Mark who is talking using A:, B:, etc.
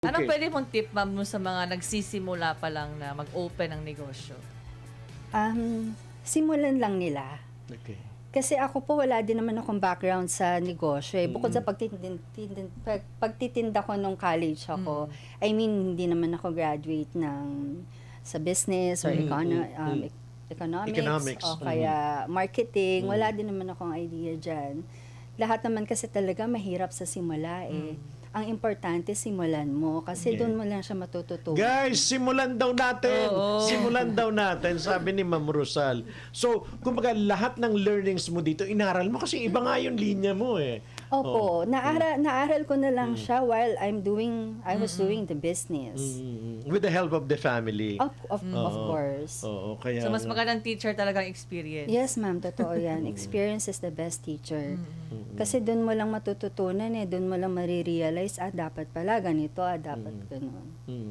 A: Anong
B: Okay.
A: pwede mong tip, ma'am, mo sa mga nagsisimula pa lang na mag-open ng negosyo?
C: Simulan lang nila.
B: Okay.
C: Kasi ako po, wala din naman akong background sa negosyo. Bukod sa pagtitinda ko nung college ako, I mean, hindi naman ako graduate sa business or economics o kaya marketing. Wala din naman akong idea dyan. Lahat naman kasi talaga mahirap sa simula eh. Ang importante, simulan mo. Kasi doon mo lang siya matututunan.
B: Guys, simulan daw natin.
A: Oo.
B: Simulan daw natin, sabi ni Ma'am Rosal. So, kumbaga lahat ng learnings mo dito, inaral mo kasi iba nga yung linya mo eh.
C: Opo, naaral ko na lang siya while I was doing the business.
B: With the help of the family.
C: Of course.
B: Oo, kaya
A: So, mas magandang teacher talagang experience.
C: Yes, ma'am, totoo yan. Experience is the best teacher. Kasi doon mo lang matututunan eh, doon mo lang marirealize, dapat pala ganito, dapat ganun.